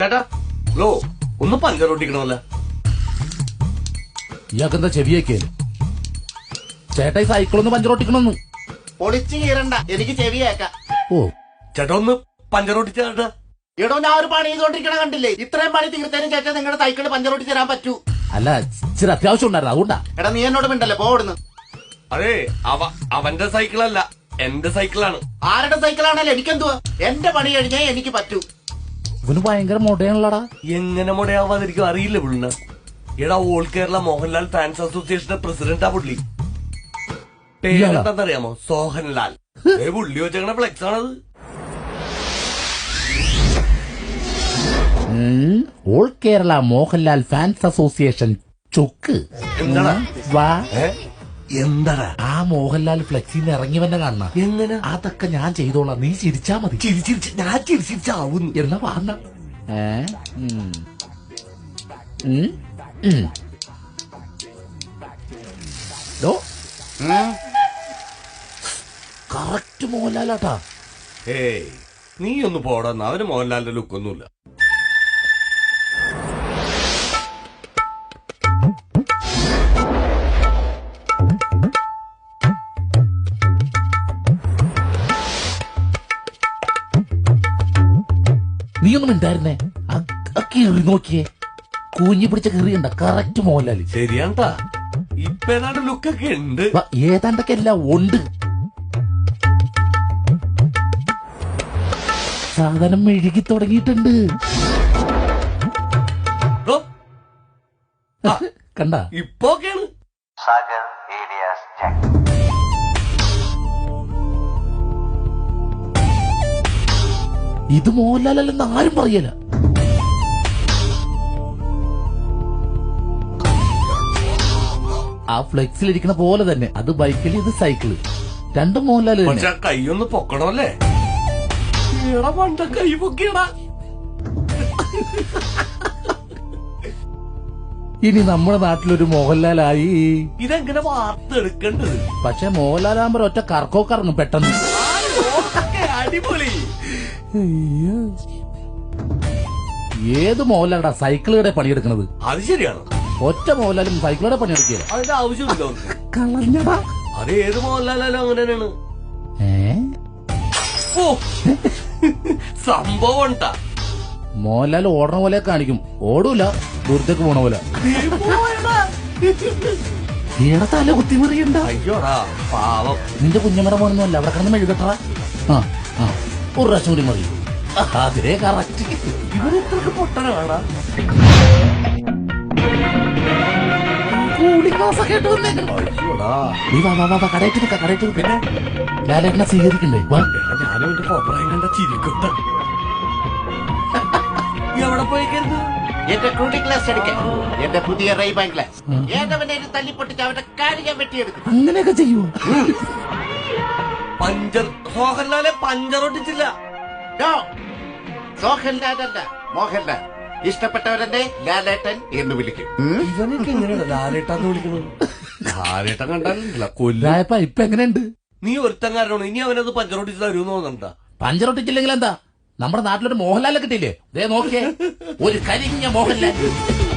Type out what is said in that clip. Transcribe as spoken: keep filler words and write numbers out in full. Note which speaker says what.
Speaker 1: ചേട്ടാ ലോ ഒന്ന് പഞ്ചറൊട്ടിക്കണമല്ല.
Speaker 2: ഇയാൾക്കെന്താ ചെവിയൊക്കെ ചേട്ടാ ഈ സൈക്കിളൊന്ന് പഞ്ചറൊട്ടിക്കണമെന്ന്.
Speaker 3: പൊളിച്ചു കീറണ്ട, എനിക്ക് ചെവിയേക്കാം.
Speaker 2: ഓ
Speaker 1: ചേട്ടാ ഒന്ന് പഞ്ചറൊട്ടിച്ച ചേട്ടാ.
Speaker 3: എടോ ഞാൻ ഒരു പണി ചെയ്തോണ്ടിരിക്കണ കണ്ടില്ലേ? ഇത്രയും പണി തീർത്തതിന് ശേഷം നിങ്ങളുടെ സൈക്കിള് പഞ്ചറൊട്ടി തരാൻ പറ്റൂ?
Speaker 2: അല്ല ഇച്ചിരി അത്യാവശ്യം ഉണ്ടായിരുന്നു അതുകൊണ്ടാ.
Speaker 3: എടാ നീ എന്നോട് മിണ്ടല്ലേ, പോടുന്നു.
Speaker 1: അതെ അവ അവന്റെ സൈക്കിളല്ല എന്റെ സൈക്കിളാണ്.
Speaker 3: ആരുടെ സൈക്കിളാണല്ലോ എനിക്കെന്തുവാ? എന്റെ പണി കഴിഞ്ഞേ എനിക്ക് പറ്റൂ.
Speaker 2: ഇവന് ഭയങ്കര മൊടയാണല്ലടാ.
Speaker 1: എങ്ങനെ മുടയാവാതിരിക്കും അറിയില്ല പുള്ളിന്. എടാ ഓൾ കേരള മോഹൻലാൽ ഫാൻസ് അസോസിയേഷന്റെ പ്രസിഡന്റാ പുള്ളി. പേരെന്താന്നറിയാമോ? സോഹൻലാൽ. ഏ പുള്ളി വെച്ചേക്കണ ഫ്ലെക്സ് ആണത്.
Speaker 2: All Kerala Mohanlal fans association ചൊക്ക്.
Speaker 1: എന്താടാ
Speaker 2: വാ
Speaker 1: എന്താടാ
Speaker 2: ആ മോഹൻലാൽ ഫ്ലെക്സിന്ന് ഇറങ്ങി വന്നെ കാണണ.
Speaker 1: എങ്ങനെ?
Speaker 2: അതൊക്കെ ഞാൻ ചെയ്തോളാം, നീ ചിരിച്ചാ മതി.
Speaker 1: ചിരിച്ചിരിച്ച് ഞാൻ ചിരിച്ചിരിച്ചാവുന്നു.
Speaker 2: എന്നാ വാങ്ങ. കറക്റ്റ് മോഹൻലാലാട്ടാ.
Speaker 1: ഏയ് നീ ഒന്ന് പോടാന്ന്. അവന് മോഹൻലാലിന്റെ ലുക്കൊന്നുമില്ല.
Speaker 2: നീ ഒന്നും ഉണ്ടായിരുന്നേ. കീറി നോക്കിയേ, കൂഞ്ഞി പിടിച്ച കീറിയുണ്ട. കറക്റ്റ് മോഹൻലാല്.
Speaker 1: ശരിയാണ്ടാ. ഇപ്പൊ ഏതാണ്ട് ലുക്കൊക്കെ ഉണ്ട്.
Speaker 2: ഏതാണ്ടൊക്കെ എല്ലാം ഉണ്ട്. സാധനം മെഴുകി തുടങ്ങിയിട്ടുണ്ട്. കണ്ട
Speaker 1: ഇപ്പൊക്കെയാണ്.
Speaker 2: ഇത് മോഹൻലാലല്ലെന്ന് ആരും പറയല. ആ ഫ്ലെക്സിലിരിക്കുന്ന പോലെ തന്നെ. അത് ബൈക്കിൽ, ഇത് സൈക്കിള്. രണ്ടും മോഹൻലാല്.
Speaker 1: പക്ഷെ കൈയൊന്ന് പൊക്കണമല്ലേ? പണ്ട കൈ പൊക്കിയടാ.
Speaker 2: ഇനി നമ്മുടെ നാട്ടിലൊരു മോഹൻലാലായി.
Speaker 1: ഇതെങ്ങനെ വാർത്തെടുക്കേണ്ടത്?
Speaker 2: പക്ഷെ മോഹൻലാലാകുമ്പോ ഒറ്റ കറക്കോ കറങ്ങും പെട്ടെന്ന്.
Speaker 1: അടിപൊളി.
Speaker 2: ഏത് മോഹൻലാലാ സൈക്കിളുടെ പണിയെടുക്കണത്?
Speaker 1: അത് ശരിയാണ്.
Speaker 2: ഒറ്റ മോഹൻലാലും സൈക്കിളുടെ പണിയെടുക്കുക.
Speaker 1: അതിന്റെ ആവശ്യമില്ല.
Speaker 2: കളഞ്ഞടാ.
Speaker 1: അത് ഏത് മോഹൻലാലും അങ്ങനെ തന്നെയാണ്. ഓ സംഭവം ഉണ്ടാ.
Speaker 2: മോഹൻലാൽ ഓടണ പോലെ കാണിക്കും, ഓടൂല. ദൂരത്തേക്ക് പോണ പോലെ. ഏടെ തല കുത്തിമറിയണ്ട.
Speaker 1: അയ്യോടാ പാവം.
Speaker 2: നിന്റെ കുഞ്ഞമ്മയുടെ മോനൊന്നുമല്ല. അവിടെ കിടന്ന് മെഴുകട്ടാ. ആ ആ ഒരു പ്രാവശ്യം കൂടി മതി. അതിലേ കറക്റ്റ്.
Speaker 1: ഇവരെത്രക്ക് പൊട്ടനാണ്.
Speaker 2: കൂടി ക്ലാസ്സൊക്കെ ആയിട്ട് വന്നേക്കണം. നീ വാ വാ വാ കടയിട്ട് നിൽക്ക, കടയിട്ട് നിൽക്ക. ലാലേട്ടനെ സ്വീകരിക്കണ്ടേ? വാ.
Speaker 1: ഞാനും എന്റെ കോപ്പറായി കണ്ട ചിരിക്കട്ട. എവിടെ പോയിക്കരുത്?
Speaker 3: എന്റെ കൂളിംഗ് ഗ്ലാസ് അടിക്കാൻ. എന്റെ പുതിയ റൈബാൻ ഗ്ലാസ്. ഏതവനെ തല്ലിപ്പൊട്ടിച്ച് അവന്റെ കാര്യം ഞാൻ വെട്ടിയെടുക്കും.
Speaker 2: അങ്ങനെയൊക്കെ ചെയ്യൂ.
Speaker 1: പഞ്ചർ മോഹൻലാലെ പഞ്ചറൊട്ടിച്ചില്ല.
Speaker 3: സോഹൻലാലല്ല, മോഹൻലാൽ. ഇഷ്ടപ്പെട്ടവരെന്നെ ലാലേട്ടൻ എന്ന് വിളിക്കും.
Speaker 1: ഇവനൊക്കെ എങ്ങനെയാണ് ലാലേട്ടാന്ന് വിളിക്കുന്നത്? ലാലേട്ടൻ കണ്ടാലില്ല കൊല്ല.
Speaker 2: ഇപ്പൊ എങ്ങനെയുണ്ട്?
Speaker 1: നീ ഒരുത്തങ്കാരനാണ്. ഇനി അവനത് പഞ്ചറൊട്ടിച്ച് തരുമെന്ന് തോന്നണ്ടാ.
Speaker 2: പഞ്ചറൊട്ടിച്ചില്ലെങ്കിൽ എന്താ? നമ്മുടെ നാട്ടിലൊരു മോഹൻലാലെ കിട്ടിയില്ലേ? ദേ നോക്കിയേ, ഒരു കരിഞ്ഞ മോഹൻലാൽ.